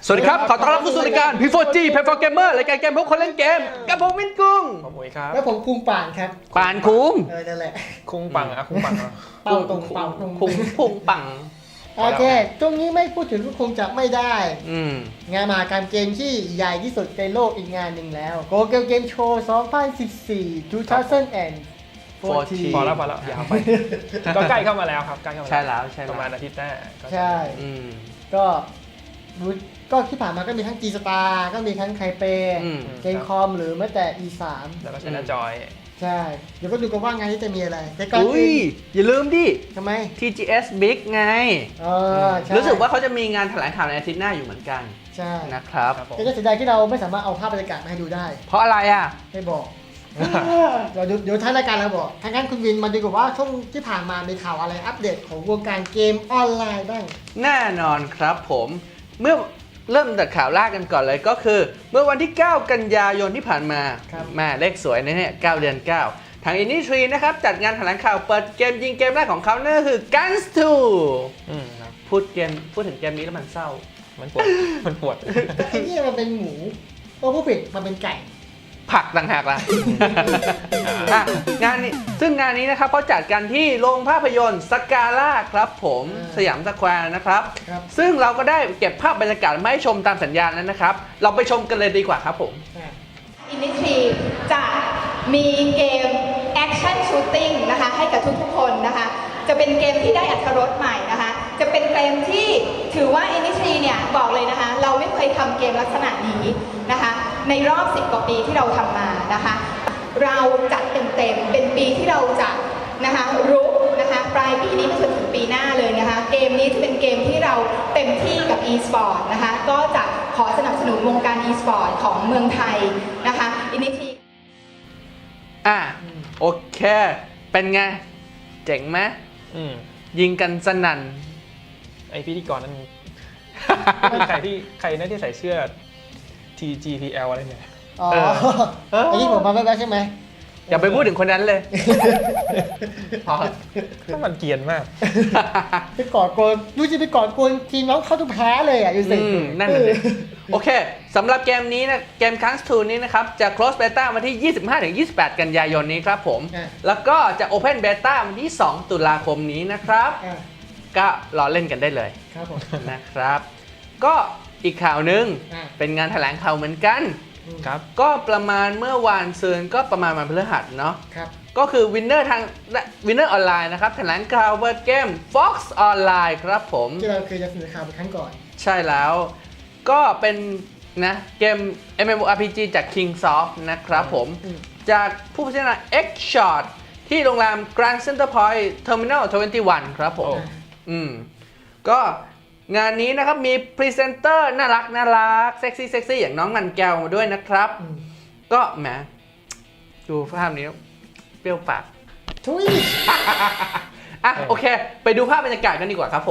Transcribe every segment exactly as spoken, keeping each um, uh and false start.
สวัสดีครับ ขอต้อนรับเข้าสู่รายการ พี โฟร์ จี Play for Gamer รายการเกมพวกคนเล่นเกมกับผมวินกุ้งผมมุ้ยครับแล้วผมคุงป่านครับป่านคุ้งเออนั่นแหละคุงปังอะคุงปังอะเป่าตรงเป่าตรงคุ้งพุงปังโอเคตรงนี้ไม่พูดถึงก็คงจะไม่ได้อืมงานมหกรรมเกมที่ใหญ่ที่สุดในโลกอีกงานหนึ่งแล้ว Go Game Game Show สองพันสิบสี่ สองพันสิบสี่พอแล้วพอแล้วยาวไป ก็ใกล้เข้ามาแล้วครับใกล้เข้ามาใช่แล้วใช่ประมาณแล้วอาทิตย์หน้าก็ใช่อืมก็รู้ก็ที่ผ่านมาก็มีทั้ง G Star ก็มีทั้งไคเปอืมเกมคอมหรือแม้แต่ อี สามแล้วก็ใช้หน้าจอยใช่ เดี๋ยวก็ดูกันว่างานนี้จะมีอะไรแต่ก่อนอุ้ยอื่นอย่าลืมดิทำไมที จี เอส Big ไงเออใช่รู้สึกว่าเขาจะมีงานแถลงข่าวในอาทิตย์หน้าอยู่เหมือนกันใช่นะครับครับผมแต่ก็เสียดายที่เราไม่สามารถเอาภาพบรรยากาศมาให้ดูได้เพราะอะไรอ่ะไม่บอก เดี๋ยวเดี๋ยวท้ายรายการเราบอกทางนั้นคุณวินมาดูกับว่าช่วงที่ผ่านมามีข่าวอะไรอัปเดตของวงการเกมออนไลน์บ้างแน่นอนครับผม เมื่อเริ่มจากข่าวแรกกันก่อนเลยก็คือ เมื่อวันที่ เก้า กันยายนที่ผ่านมาครับแม่เลขสวยนะเนี่ยเก้าเดือนเก้าทาง Industry นะครับจัดงานแถลงข่าวเปิดเกมยิงเกมแรกของเขานั่นก็คือ Guns ทูอืมครับพูดเกมพูดถึงเกมนี้แล้วมันเศร้ามันปวดมันปวดไอ้นี่มันเป็นหมูตัวผู้ผิดมันเป็นไก่ผักต่างหากล่ะ อ่ะงานนี้ซึ่งงานนี้นะครับเขาจัดกันที่โรงภาพยนตร์สกาล่าครับผมอ่าสยามสแควร์นะครับครับซึ่งเราก็ได้เก็บภาพบรรยากาศมาให้ชมตามสัญญาณนั้นนะครับ เราไปชมกันเลยดีกว่าครับผมอ่ะอินิทีจะมีเกมแอคชั่นชูตติ้งนะคะให้กับทุกๆคนนะคะจะเป็นเกมที่ได้อรรถรสใหม่นะคะจะเป็นเกมที่ถือว่าอินิทีเนี่ยบอกเลยนะคะเราไม่เคยทำเกมลักษณะนี้นะคะในรอบสิบกว่าปีที่เราทำมานะคะเราจัดเต็มๆเป็นปีที่เราจะนะคะรุกนะคะปลายปีนี้ไปจนถึงปีหน้าเลยนะคะเกมนี้จะเป็นเกมที่เราเต็มที่กับ e-sport นะคะก็จะขอสนับสนุนวงการ e-sport ของเมืองไทยนะคะอินิทีอ่ะโอเค เป็นไง เจ๋งไหมอืมยิงกันสนั่นไอพิธีกรนั้นใครที่ใครนั่นที่ใส่เสื้อ ที จี พี แอล อะไรเนี่ยอ๋อเออไอ้ที่ผมมาแป๊บๆใช่ไหมอย่าไปพูดถึงคนนั้นเลย พอก็มันเกรียนมากไปกอดโกนดูสิไปกอดโกนทีมน้องเข้าทุกแพ้เลยอ่ะอยู่สิอืมนั่นเลยโอเคสำหรับเกมนี้นะเกม Guns ทู นี้นะครับ จะ close beta วันที่ ยี่สิบห้าถึงยี่สิบแปด กันยายนนี้ครับผมอ่ะแล้วก็จะ open beta วันที่ สอง ตุลาคมนี้นะครับอ่ะก็รอเล่นกันได้เลยครับผมนะครับ ก็อีกข่าวหนึ่งอ่ะเป็นงานแถลงข่าวเหมือนกันครับก็ประมาณเมื่อวานซืนก็ประมาณวันพฤหัสเนาะครับก็คือวินเนอร์ทางวินเนอร์ออนไลน์นะครับแถลงข่าวเปิดเกม Fox Online ครับผมที่เราเคยจะเสนอข่าวไปครั้งก่อนใช่แล้ว ก็เป็นนะเกม เอ็ม เอ็ม โอ อาร์ พี จี จาก Kingsoft นะครับผมอืมจากผู้พัฒนา X-Shot ที่โรงแรม Grand Center Point Terminal ยี่สิบเอ็ด ครับผมโอ้อืม ก็งานนี้นะครับมีพรีเซนเตอร์น่ารักน่ารักเซ็กซี่เซ็กซี่อย่างน้องมันแก้วมาด้วยนะครับอืมก็แหมดูภาพนี้เปรี้ยวปากทุยอ่ะโอเค ไปดูภาพบรรยากาศกันดีกว่าครับผม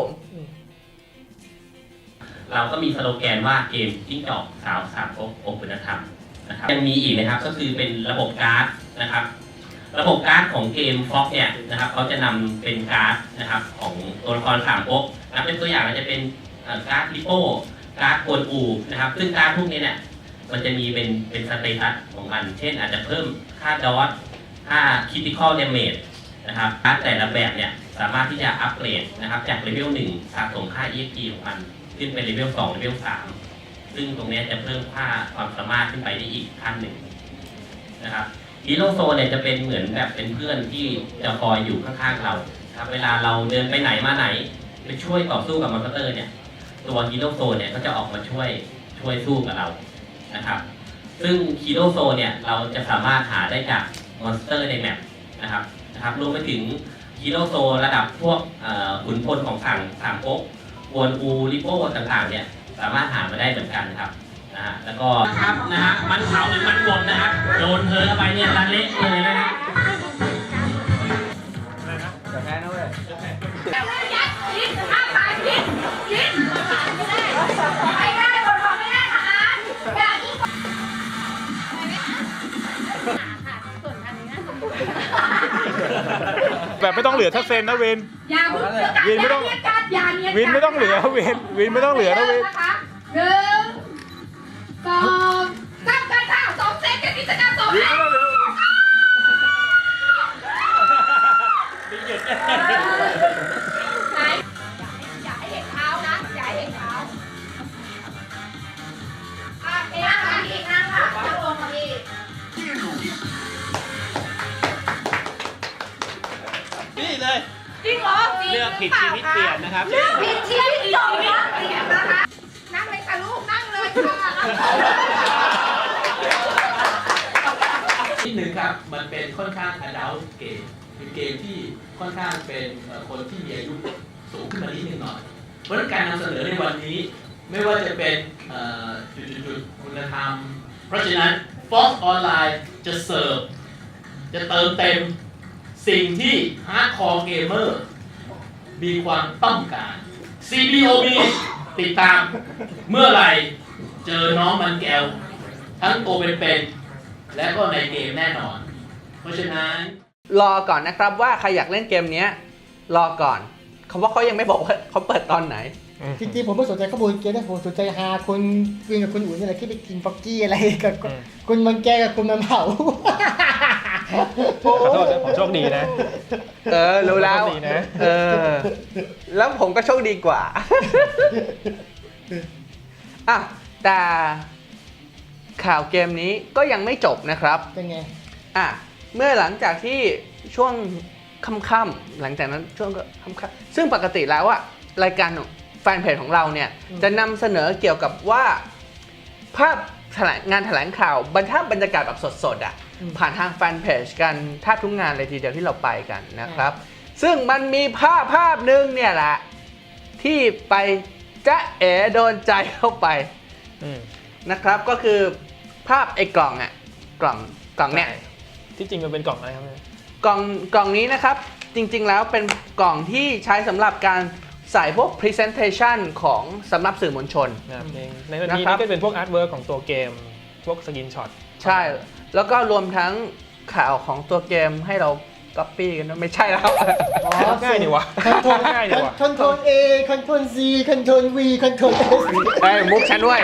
เราก็มีสโลแกนว่าเกมจิ้งจอกสาวสามก๊กองค์คุณธรรมนะครับยังมีอีกนะครับก็คือเป็นระบบการ์ดนะครับ ระบบการ์ดของเกมฟ็อกเนี่ยนะครับเขาจะนำเป็นการ์ดนะครับของตัวละครสามก๊กนะเป็นตัวอย่างก็จะเป็นเอ่อการ์ดลิโป้การ์ดกวนอูนะครับ ซึ่งการ์ดพวกนี้เนี่ยมันจะมีเป็นเป็นสเตตัสของมัน เช่นอาจจะเพิ่มค่าดอทค่าคิติคอลเดเมจนะครับการ์ดแต่ละแบบเนี่ยสามารถที่จะอัปเกรดนะครับจากเลเวลหนึ่งสะสมค่า อี เอ็กซ์ พี ของมันขึ้นเป็นเลเวลสองเลเวลสามซึ่งตรงนี้จะเพิ่มค่าความสามารถขึ้นไปได้อีกขั้นหนึ่งนะครับฮีโร่โซนเนี่ยจะเป็นเหมือนแบบเป็นเพื่อนที่จะคอยอยู่ข้างๆเราครับเวลาเราเดินไปไหนมาไหนไปช่วยต่อสู้กับมอนสเตอร์เนี่ยตัวฮีโร่โซนเนี่ยก็จะออกมาช่วยช่วยสู้กับเรานะครับซึ่งฮีโร่โซนเนี่ยเราจะสามารถหาได้จากมอนสเตอร์ในแมปนะครับนะครับรวมไปถึงฮีโร่โซนระดับพวกขุนพลของสั่งสามก๊กกวนอูริโป้ต่างๆเนี่ยสามารถหามาได้เหมือนกันครับนะฮะแล้วก็ครับนะฮะมันเผาหรือมันบดนะฮะโดนเธอเข้าไปเนี่ยละเละเลยนะฮะจะแพ้นะเว้ยแบบไม่ต้องเหลือทักเซนนะเวนอย่าเพิ่งวินไม่ต้องอย่าเรียกกันอย่าเรียกกันวินไม่ต้องเหลือเวนวินไม่ต้องเหลือนะเวนนะคะหนึ่งสองสามกันค่ะสองเซตกับกิจกรรมสองเซตไหนอย่าให้เห็นเท้านะอย่าให้เห็นเท้าอ่ะเอ๊ะค่ะอีกนั่งค่ะนั่งลงค่ะพี่นี่เลยจริงเหรอเลือกผิดชีวิตเปลี่ยนนะครับเลือกผิดชีวิตจบนะเปลี่ยนนะคะ นั่งเลยค่ะลูก นั่งเลยค่ะนิดนึงครับ มันเป็นค่อนข้าง adult เกมเป็นเกมที่ค่อนข้างเป็นเอ่อคนที่มีอายุสูงขึ้นมานิดนึงหน่อย เพราะฉะนั้นการนำเสนอในวันนี้ไม่ว่าจะเป็นเอ่อจุดๆๆคุณธรรม เพราะฉะนั้น Fox Online จะเสิร์ฟ จะเติมเต็มสิ่งที่ Hardcore Gamer มีความต้องการ ซี บี โอ บี ติดตามเมื่อไหร่เจอน้องมันแก้ว ทั้งตัวเป็นๆและก็ในเกมแน่นอน เพราะฉะนั้นรอก่อนนะครับว่าใครอยากเล่นเกมเนี้ยรอก่อนคำว่าเขายังไม่บอกว่าเขาเปิดตอนไหนจริงๆผมไม่สนใจข้อมูลเกมนะผมสนใจหาคนคุยกับคุณอุ่นนี่แหละที่ไปกินฟอกกี้อะไรกับคุณมันแกกับคุณมันเผาขอโทษนะผมโชคดีนะเออรู้แล้วโชคดีนะเออแล้วผมก็โชคดีกว่า อ่ะแต่ข่าวเกมนี้ก็ยังไม่จบนะครับเป็นไงอ่ะเมื่อหลังจากที่ช่วงค่ำๆหลังจากนั้นช่วงค่ำๆซึ่งปกติแล้วอะรายการแฟนเพจของเราเนี่ยอืมจะนำเสนอเกี่ยวกับว่าภาพแถลงงานแถลงข่าวบรรทับบรรยากาศแบบสดๆอะผ่านทางแฟนเพจกันแทบทุกงานเลยทีเดียวที่เราไปกันนะครับ ซึ่งมันมีภาพภาพหนึ่งเนี่ยแหละที่ไปจ๊ะเอ๋โดนใจเข้าไปอืมนะครับก็คือภาพไอ้กล่องอะกล่องกล่องเนี่ยที่จริงมันเป็นกล่องอะไรครับเนี่ยกล่องกล่องนี้นะครับจริงๆแล้วเป็นกล่องที่ใช้สำหรับการใส่พวก Presentation ของสำหรับสื่อมวลชนนะครับเองในวันนี้นะครับนี่ก็เป็นพวกอาร์ตเวิร์กของตัวเกม พวกสกินช็อตใช่ แล้วก็รวมทั้งข่าวของตัวเกมให้เราก๊อปปี้กันด้วยไม่ใช่แล้วอ๋อง่ายดีวะคอนโทรลง่ายดีวะคอนโทรล A คอนโทรล C คอนโทรล V คอนโทรล S ไอ้ยมุกฉันด้วย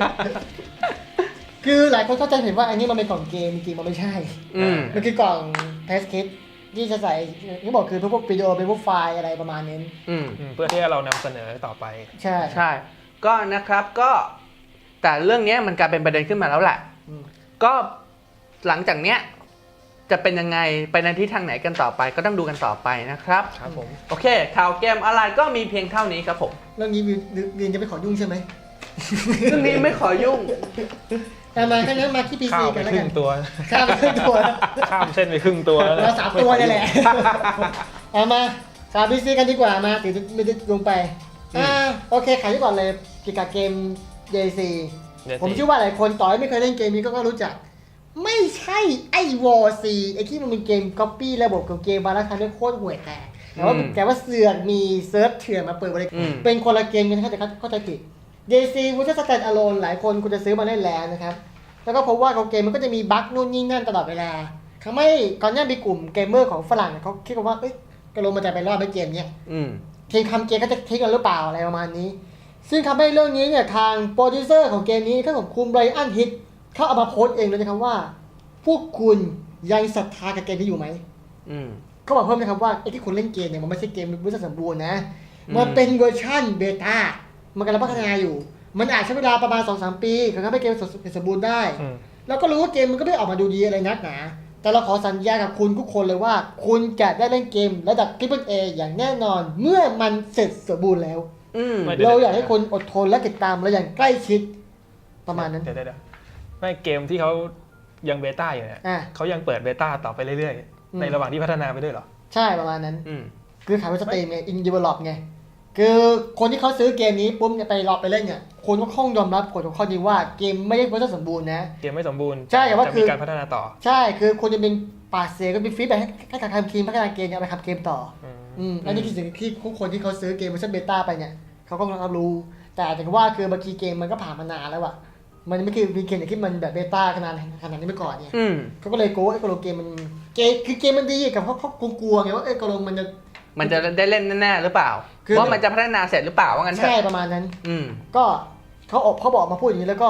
คือหลายคนเข้าใจผิดว่าอันนี้มันเป็นกล่องเกมจริงๆมันไม่ใช่อืมมันคือกล่องเทสคิดที่จะใส่ที่บอกคือพวกวิดีโอเป็นพวกไฟล์อะไรประมาณนี้อืมอืมเพื่อที่เรานำเสนอต่อไปใช่ใช่ ก็นะครับก็แต่เรื่องนี้มันกลายเป็นประเด็นขึ้นมาแล้วแหละอืมก็หลังจากเนี้ยจะเป็นยังไงไปในทิศทางไหนกันต่อไปก็ต้องดูกันต่อไปนะครับครับผมโอเค ข่าวเกมออนไลน์ก็มีเพียงเท่านี้ครับผมเรื่องนี้วินวินจะไปขอยุ่งใช่ไหมเรื่องนี้ไม่ขอยุ่งแต่มาแค่นั้นมาที่ พีข้าซีวไปกันแล้วครึ่กันงตัวข้ามไปครึ่งตัวข้ามเส้นไปครึ่งตัวเราสามตัวนี่แหละเอามาสาม พี ซี กันดีกว่ามาถึงไม่ได้ลงไปอ่าโอเคขายที่ก่อนเลยเกี่ยวกับเกม เจ ซี ผมเชื่อว่าหลายคนต่อให้ไม่เคยเล่นเกมนี้ก็ก็รู้จัก ไม่ใช่ไอ้วอร์ซีไอ้ที่มันเป็นเกมก๊อปปี้ระบบของเกมบาร์ทำให้โคตรห่วยแตกแต่ว่าอืมแต่ว่าเสือกมีเซิร์ฟเถื่อนมาเปิดบริอืการมเป็นคนละเกมกันนะครับแต่เข้าใจผิด เจ ซี วูดสแตนด์อะโลนหลายคนคุณจะซื้อมาเล่นแล้วนะครับ แล้วก็พบว่าของเกมมันก็จะมีบั๊กนู่นนี่นั่นตลอดเวลาทำให้ก่อนหน้ามีกลุ่มเกมเมอร์ของฝรั่งเขาคิดกันว่าเอ้ยกระโลมันจะไปรอดไปเกมเนี้ยอืมทีมทำเกมก็จะทิ้งกันหรือเปล่าอะไรประมาณนี้ ซึ่งทำให้เรื่องนี้เนี่ยทางโปรดิวเซอร์ของเกมนี้ก็ของคุณไบรอันฮิตเขาเอามาโพสต์เองเลยนะครับว่า พวกคุณยังศรัทธากับเกมนี้อยู่ไหมอืมเขาบอกเพิ่มนะครับว่าไอ้ที่คุณเล่นเกมเนี่ยมันไม่ใช่เกมวิสัยสมบูรณ์นะอืมมันเป็นเวอร์ชันเบต้ามันกำลังพัฒนาอยู่ มันอาจใช้เวลาประมาณ สองถึงสาม ปีถึงจะให้เกมสมบูรณ์ได้อืมแล้วก็รู้ว่าเกมมันก็ไม่ออกมาดูดีอะไรนักหนา แต่เราขอสัญญากับคุณทุกคนเลยว่า คุณจะได้เล่นเกมระดับ Triple A อย่างแน่นอนเมื่อมันเสร็จสมบูรณ์แล้วอืมไม่ ดี๋ยวเราอยากให้คนอดทนและติดตามเราอย่างใกล้ชิดประมาณนั้นเดี๋ยวเดี๋ยวเดี๋ยวไม่เกมที่เขายังเบต้าอยู่เนี่ยอ่ะเขายังเปิดเบต้าต่อไปเรื่อยอืมๆ ในระหว่างที่พัฒนาไปด้วยเหรอใช่ประมาณนั้นอืมคือขายเป็นสตรีมไงอินดีเวลลอปไงคือคนที่เขาซื้อเกมนี้ปุ๊บเนี่ยไปรอไปเล่นเนี่ยคนก็คงยอมรับกฎของข้อนี้ว่าเกมไม่ได้เวอร์ชันสมบูรณ์นะเกมไม่สมบูรณ์ใช่แต่ว่าจะคืมีอการพัฒนาต่อใช่คือคนจะเป็นปาดเสียก็เป็นฟีดแบ็กให้กับทางทีมพัฒนาเกมเนี่ยเอาไปทำเกมต่ออืมอืมอันนี้คือสิ่งที่ทุกคนที่เขาซื้อเกมเวอร์ชันเบต้าไปเนี่ยเขาก็รับรู้ แต่แต่ว่าคือบางทีเกมมันก็ผ่านมานานแล้วอะมันไม่คือมีเกมอย่างที่มันแบบเบต้าขนาดขนาดนี้เมื่อก่อนเนี่ยอืมเขาก็เลยโก้ไอ้กโลเกมมันเกมคือเกมมันดีกับเขาเขากลัวๆไงว่าไอ้กโลมันจะมันจะได้เล่นแน่ๆหรือเปล่าคือว่ามันจะพัฒนาเสร็จหรือเปล่าว่างั้นเถใช่อะประมาณนั้นอืมก็เขาออกเขาบอกมาพูดอย่างนี้แล้วก็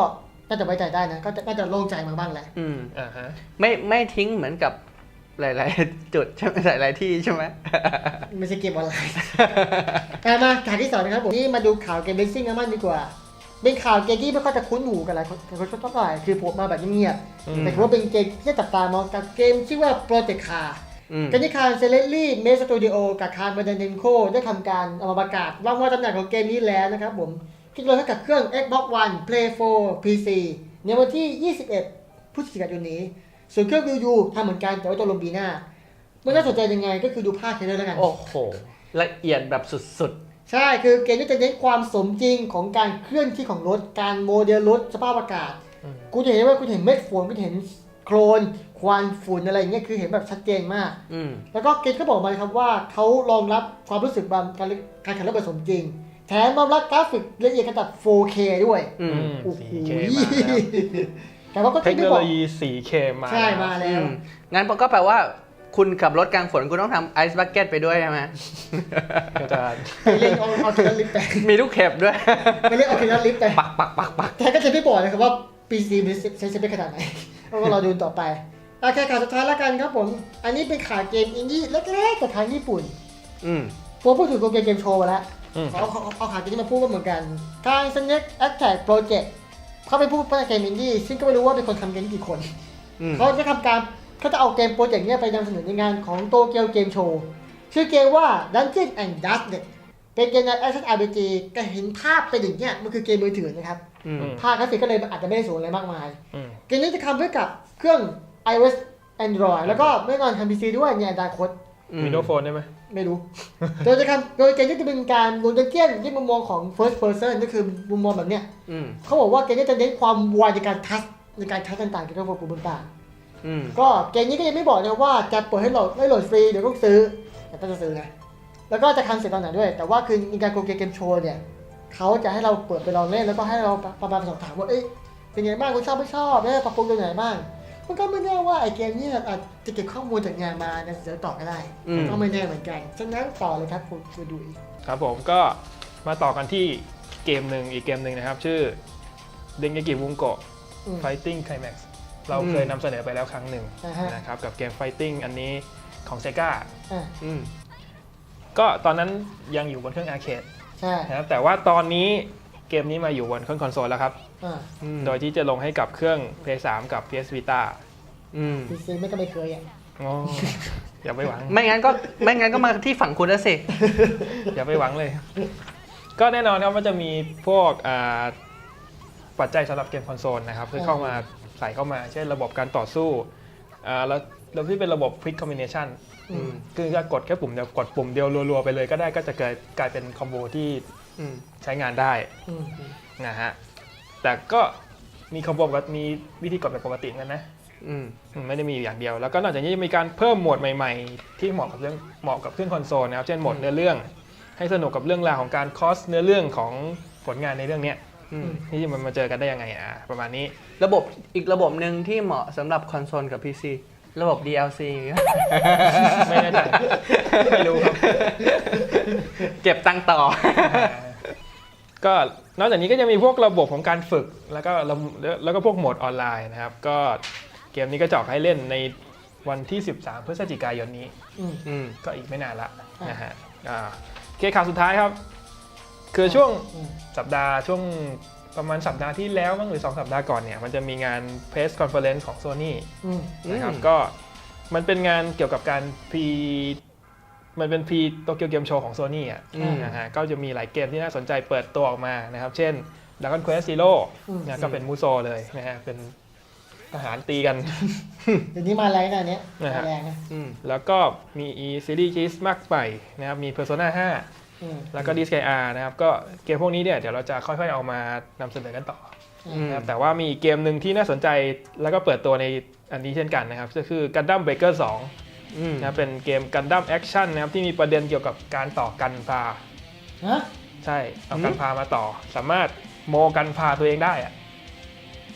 น่าจะไว้ใจได้นะก็จะน่าจะโล่งใจมาบ้างแหละอืมอ่าฮะไม่ไม่ทิ้งเหมือนกับหลายๆ จุดใช่ไหมหลายๆที่ใช่ไหมไม่ใช่เกมออนไลน์ อ่ะมาข่าวที่สองนะครับผมนี่มาดูข่าวเกมเบสซิ่งกันบ้างดีกว่าเป็นข่าวเกมที่ไม่ค่อยจะคุ้นหูกันหลายคนเท่าไหร่คือผมมาแบบเงียบอืๆมแต่ถือว่าเป็นเกมที่จับตามองกับเกมชื่อว่า Project Car อืมเกมที่คารเซเลลี่เมสตูดิโอกับคารบันเดนโคได้ทำการเอามาประกาศว่าว่าตำแหน่งของเกมนี้แล้วนะครับผมที่ลงให้กับเครื่อง Xbox One Play โฟร์ พี ซี ในวันที่ ยี่สิบเอ็ด พฤศจิกายนนี้ส่วนเครื่อง Wii U ทำเหมือนกันแต่ว่าตัวลงปีหน้ามันน่าสนใจยังไงก็คือดูภาพเทรลเลอร์แล้วกันโอ้โห ละเอียดแบบสุดใช่คือเกมนี้จะเน้นความสมจริงของการเคลื่อนที่ของรถการโมเดลรถสภาพอากาศอืมกูจะเห็นว่ากูจะเห็นเม็ดฝนกูจะเห็นโคลนควันฝุ่นอะไรอย่างเงี้ยคือเห็นแบบชัดเจนมากๆ อืมแล้วก็เกมก็บอกมาครับว่าเขารองรับความรู้สึกบางการการแข่งรถแบบสมจริง แถมรองรับกราฟิกละเอียดระดับ โฟร์เค ด้วยอืมอืมโอ้โหโฟร์เค มาแล้วแต่ว่าก็เทคที่โนบโลอกยี โฟร์เค มาใช่แล้วมาแล้อืวมงั้นก็แปลว่าคุณขับรถกลางฝนคุณต้องทำไอซ์บักเก็ตไปด้วยใช่ไหมก็จะไปเล่นเอาเอาทีละลิฟต์ไปมีลูกเข็บด้วยไปเล่นเอาทีละลิฟต์ไปปักปักปักปักแต่ก็จะไม่บอกนะครับว่า พี ซี มันใช้สเปคขนาดไหนเราก็รอดูต่อไปโอเคข่าวสุดท้ายแล้วกันครับผมอันนี้เป็นข่าวเกมอินดี้เล็กๆจากทางญี่ปุ่นอืมผมพูดถึงโกเกมเกมโชว์มาแล้วอืมเขาเขาเอาข่าวนี้มาพูดกันเหมือนกันทาง Snake Attack Project เขาเป็นผู้พัฒนาเกมอินดี้ซึ่งก็ไม่รู้ว่าเป็นคนทำเกมกี่คนอืมเขาจะทำการเขาจะเอาเกมโปรเจกต์เนี้ยไปนำเสนอในงานของโตเกียวเกมโชว์ชื่อเกมว่า Dungeons and Dragons เป็นเกมใน Action อาร์ พี จี ก็เห็นภาพเป็นอย่างเนี้ยมันคือเกมมือถือนะครับอืมภาพกราฟิกก็เลยอาจจะไม่ได้สูงอะไรมากมายอืมเกมนี้จะทำด้วยกับเครื่อง iOS Android แล้วก็ไม่นอนทำ พี ซี ด้วยในอนาคตวินโดว์โฟนได้ไหมไม่รู้ โดยจะทำโดยเกมนี้จะเป็นการลงดันเจี้ยนที่มุมมองของ first person ก็คือมุมมองแบบเนี้ยอืมเขาบอกว่าเกมนี้จะเน้นความไวในการทัชในการทัชต่างๆเกี่ยวกับระบบต่างอืมๆก็เกมนี้ก็ยังไม่บอกนะว่าจะเปิดให้โหลดให้โหลดฟรีเดี๋ยวต้องซื้อแต่ต้องจะซื้อนะแล้วก็จะทำเสร็จตอนไหนด้วย แต่ว่าคือในการโกเกมโชว์เนี่ยเขาจะให้เราเปิดไปลองเล่นแล้วก็ให้เราประมาณสอบถามว่าเอ้ยเป็นไงบ้างคุณชอบไม่ชอบแล้วปรับปรุงตรงไหนบ้างมันก็ไม่แน่ว่าไอ้เกมนี้อาจจะเก็บข้อมูลจากงานมาเนี่ยเดี๋ยวต่อก็ได้อืมก็ไม่แน่เหมือนกันฉะนั้นต่อเลยครับคุณคุณดูอีกครับผมก็มาต่อกันที่เกมหนึ่งอีกเกมหนึ่งนะครับ ชื่อ Dengeki Bunko อืม Fighting Climax เราเคยนำเสนอไปแล้วครั้งหนึ่งอ่าฮะนะครับกับเกม Fighting อันนี้ของ Sega อ่าอืมก็ตอนนั้นยังอยู่บนเครื่องอาร์เคดใช่นะครับแต่ว่าตอนนี้เกมนี้มาอยู่บนเครื่องคอนโซลแล้วครับอ่าอืมโดยที่จะลงให้กับเครื่อง พี เอส ทรี กับ พี เอส Vita อืมพีซีไม่ก็ไม่เคยอ่ะโอ้อย่าไปหวังไม่งั้นก็ไม่งั้นก็มาที่ฝั่งคุณแล้วสิอย่าไปหวังเลย ก็แน่นอนครับว่าจะมีพวกอ่าปัจจัยสำหรับเกมคอนโซลนะครับคือเข้ามาใส่เข้ามา เช่นระบบการต่อสู้อ่าแล้วแล้วที่เป็นระบบ Quick Combination อืมคือจะกดแค่ปุ่มเดียวกดปุ่มเดียวรัวๆไปเลยก็ได้ก็จะเกิดกลายเป็นคอมโบที่อืมใช้งานได้อืมนะฮะแต่ก็มีคอมโบกับมีวิธีกดแบบปกติเหมือนกันนะอืมอืมไม่ได้มีอยู่อย่างเดียว แล้วก็นอกจากนี้ยังมีการเพิ่มโหมดใหม่ๆ ที่เหมาะกับเรื่องเหมาะกับเครื่องคอนโซลนะครับเช่นโหมดเนื้อเรื่อง ให้สนุกกับเรื่องราวของการคอสเนื้อเรื่องของผลงานในเรื่องเนี้ยอืมที่มันมาเจอกันได้ยังไงอ่ะประมาณนี้ระบบอีกระบบหนึ่งที่เหมาะสำหรับคอนโซลกับ พี ซี ระบบ ดี แอล ซีไม่แน่ใจไม่รู้ครับเก็บตังค์ต่อก็นอกจากนี้ก็จะมีพวกระบบของการฝึกแล้วก็ระแล้วก็พวกโหมดออนไลน์นะครับก็เกมนี้ก็จะออกให้เล่นในวันที่ สิบสาม พฤศจิกายนนี้อืมอืมก็อีกไม่นานละอ่านนะฮะอ่าโอเคข่าวสุดท้ายครับ คือช่วงอืมสัปดาห์ช่วงประมาณสัปดาห์ที่แล้วมั้งหรือสองสัปดาห์ก่อนเนี่ยมันจะมีงาน Press Conference ของ Sony อืมนะครับอืมก็มันเป็นงานเกี่ยวกับการพรีมันเป็นพรีโตเกียวเกมโชว์ของ Sony อ่ะอืมนะฮะก็จะมีหลายเกมที่น่าสนใจเปิดตัวออกมานะครับ เช่น Dragon Quest Zero อืมนะก็เป็นมูโซเลยนะฮะเป็นทหารตีกันเดี๋ยวนี้มาแรงนะอันเนี้ยนะฮะมาแรงนะอืมแล้วก็มีซีรีส์คิสมากใหม่นะครับมี Persona ห้าอืมแล้วก็ ดี เอส เค อาร์ นะครับก็เกมพวกนี้เนี่ยเดี๋ยวเราจะค่อยๆเอามานำเสนอกันต่ออือืมมนะครับแต่ว่ามีอีกเกมหนึ่งที่น่าสนใจแล้วก็เปิดตัวในอันนี้เช่นกันนะครับก็คือ Gundam Breaker สองอืมนะครับเป็นเกม Gundam Action นะครับที่มีประเด็นเกี่ยวกับการต่อกันพาฮะใช่เอากันพามาต่อ สามารถโมกันพาตัวเองได้อะ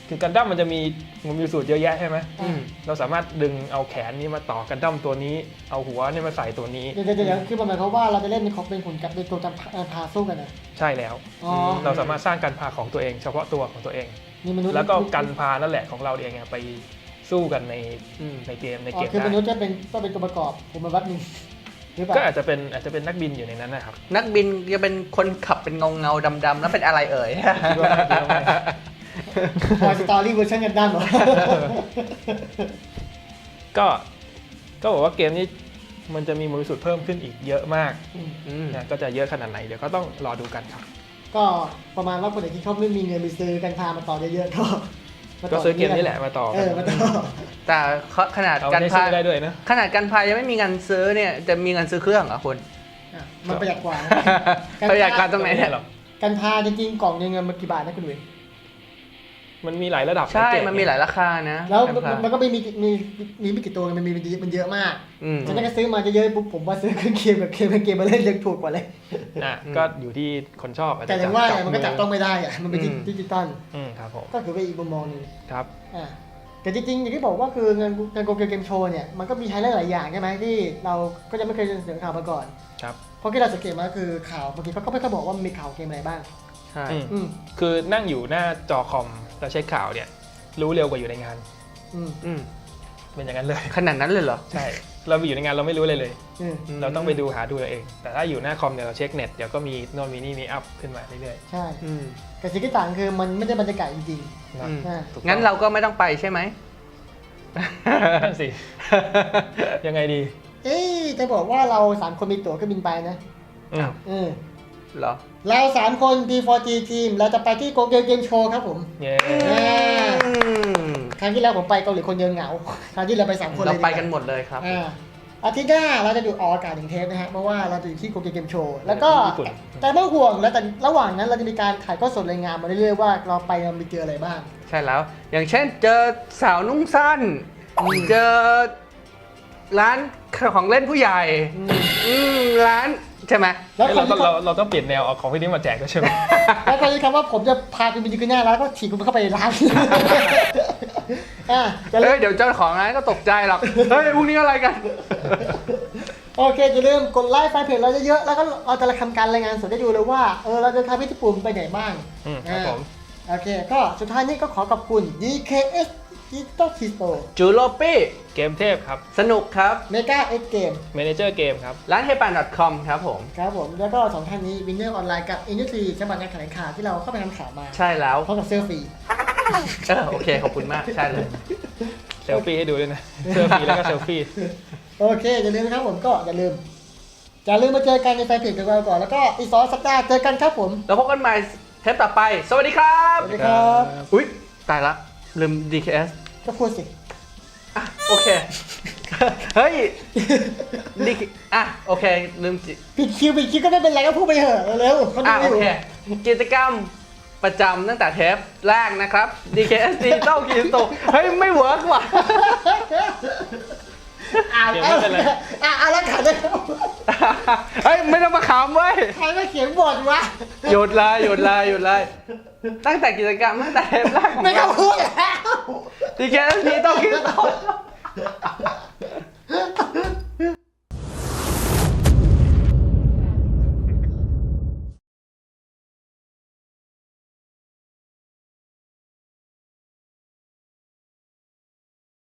คือกันดั้มมันจะมีมันมีสูตรเยอะแยะใช่ไหมอืมเราสามารถดึงเอาแขนนี้มาต่อกันดั้มตัวนี้เอาหัวนี่มาใส่ตัวนี้เดี๋ยวเดี๋ยวเดี๋ยวคือประมาณเขามว่าเราจะเล่นเป็นของเป็นหุ่นกับเป็นตัวจำพาสู้กันนะใช่แล้วอ๋อเราสามารถสร้างกันพาของตัวเอง เฉพาะตัวของตัวเองนี่มนุษย์แล้วก็กันพานั่นแหละของเราเองอะไปสู้กันในอืมในเกมในอ๋เกอมคือมนุษย์ได้จะเป็นก็เป็นตัวประกอบผมมาวัดหนึ่งหรือเปล่าก็อาจจะเป็นอาจจะเป็นนักบินอยู่ในนั้นนะครับนักบินจะเป็นคนขับเป็นเงาเงาๆดำๆแล้วเป็นอะไรเอ่ยคิดว่าไม่คิดว่าไม่พอสตอรี่เวอร์ชันกันดั้มเหรอก็ก็บอกว่าเกมนี้มันจะมีมวลสุดเพิ่มขึ้นอีกเยอะมากอืมนะก็จะเยอะขนาดไหนเดี๋ยวก็ต้องรอดูกันครับก็ประมาณว่าคนไหนที่เขาไม่มีเงินไปซื้อกันพามาต่อเยอะๆก็มาก็ต่ซื้อเกมนี้แหละมาต่อเอกันอมาต่อแต่ขนาดเอาการได้พาซื้อได้ด้วยนะขนาดการพายยังไม่มีเงินซื้อเนี่ยจะมีเงินซื้อเครื่องเหรอคุณอ่ะมันประหยัดกว่านะประหยัดการตรงไหนเนี่ยหรอกกันพาจริงๆกล่องนึงมันกี่บาทนะคุณดุยมันมีหลายระดับใช่เกมันมีหลายราคานะแล้วการมันพามันก็ไม่มีมีมีไม่กี่ตัวมันมีมันเยอะมากอืมฉะนั้นก็ซื้อมาเยอะๆปุ๊บผมว่าซื้อเครื่องเกมกับเกมเกมมาเล่นยังถูกกว่าเลยอ่ะอืมก็อยู่ที่คนชอบอาจแต่จะอย่างว่าจับมันก็จับต้องไม่ได้อะมันเป็นอืมดิจิตอลอืมครับผมก็คือเป็นอีกมุมมองหนึงครับอ่าแต่จริงๆอย่างที่บอกว่าคืองานงานโกเกมเกมโชว์เนี่ยมันก็มีไฮไลท์หลายอย่างใช่ไหมที่เราก็จะไม่เคยเสนอข่าวมาก่อนครับเพราะที่เราสังเกตมาคือข่าวบางทีเขาก็ไม่ค่อยบอกว่ามันมีข่าวเกมอะไรบ้างใช่อืมอืมคือนั่งอยู่หน้าจอคอมแล้วเช็คข่าวเนี่ยรู้เร็วกว่าอยู่ในงานอืมอืมเป็นอย่างนั้นเลยขนาดนั้นเลยเหรอใช่ เราอยู่ในงานเราไม่รู้เลยเลยอืมเราต้องไปดูหาดูเราเอง แต่ถ้าอยู่หน้าคอมเนี่ยเราเช็คเน็ตเดี๋ยวก็มีโน่นมีนี่มีอัพขึ้นมาเรื่อยใช่อืมแต่สิ่งที่ต่างคือมันไม่ได้บรรยากาศจริงๆนะอืมอ่าถูกต้องงั้นเราก็ไม่ต้องไปใช่ไหมนั่นสิ ยังไงดีๆ เอ๊ะจะบอกว่าเราสามคนมีตั๋วเครื่องบินไปนะอืมอืมเหรอเราสามคน ดี โฟร์ จี ทีมเราจะไปที่โกเกมเกมโชว์ครับผมเย้อ่าอืมครั้งที่แล้วผมไปเกาหลีคนเดียวเหงา ครั้งที่เราไปสามคนเลยเราดีไปว่ากันหมดเลยครับอ่าอาทิตย์หน้าเราจะดูออกอากาศหนึ่งเทปนะฮะเพราะว่าเราจะอยู่ที่โกเกมเกมโชว์แล้วก็ญี่ปุ่นแต่ไม่ต้องห่วงแล้วแต่ระหว่างนั้นเราจะมีการถ่ายทอดสดรายงานมาเรื่อยๆว่าเราไปเรามีเจออะไรบ้างใช่แล้ว อย่างเช่นเจอสาวนุ่งสั้น เจอร้านของเล่นผู้ใหญ่อืมอืมร้านใช่ไหมแล้วเอ้ยคเรานต้องที่เราเราต้องเปลี่ยนแนวเอาของพี่นิ้มมาแจกด้วยใช่ไหมแล้วคนที่คำว่าผมจะพาคุณไปยืนหน้าร้านก็ถีบคุณเข้าไปในร้านอ่ะจะเอ้เริ่ยมเดี๋ยวเจ้าของร้านก็ตกใจหรอก เฮ้ยพวกนี้อะไรกันโอเคจะเริ่าลืมกดไลค์แฟนเพจเราเยอะๆแล้วก็เราจะทำการรายงานสดให้ดูเลยว่าเออเราจะทำให้ญี่ปุ่นไปไหนบ้างอืมครับผมโอเคก็สุดท้ายนี้ก็ขอขอบคุณ ดี เค เอส Digital Key Store จูโลปี้เกมเทพครับสนุกครับ Mega X Game เมเนเจอร์เกมครับร้านเฮปัน .com ครับผมครับผมแล้วก็สองท่านนี้ Winner Online กับ Industry ฉบับงานแถลงข่าวที่เราเข้าไปทำข่าวมาใช่แล้วพร้อมกับเสื้อฟรีเออโอเค ขอบคุณมาก ใช่เลยเซลฟี่ให้ดูด้วยนะเซลฟี่แล้วก็เซลฟี่โอเค อย่าลืมนะครับผมก็อย่าลืม อย่าลืมมาเจอกันในแฟนเพจของเราก่อน แล้วก็อีกสองสัปดาห์เจอกันครับผมแล้วพบกันใหม่เทปต่อไป สวัสดีครับสวัสดีครับอุ๊ย ตายละ ลืม ดี เค เอสก็พูดสิอ่ะ โอเค เฮ้ย ดี อ่ะ โอเค ลืมจิปิดคิวปิดคิวก็ไม่เป็นไรก็พูดไปเถอะเร็วๆเขาดูอ่ะอโอยู่ เค กิจกรรมประจำตั้งแต่เทปแรกนะครับ ดี เค เอส Digital Key Store เฮ้ย ไม่เวิร์กว่ะอ่าเดี๋ยวไม่เป็นไรอ่าอ่าแล้วขันได้แล้วเฮ้ย ไม่ต้องมาขำเว้ยใครมาเขียนบทวะหยุดเลยหยุดเลยหยุดเลย ตั้งแต่กิจกรรมตั้งแต่เทปแรกของไม่ต้เราองพูดแล้วดี เค เอส Digital Key Store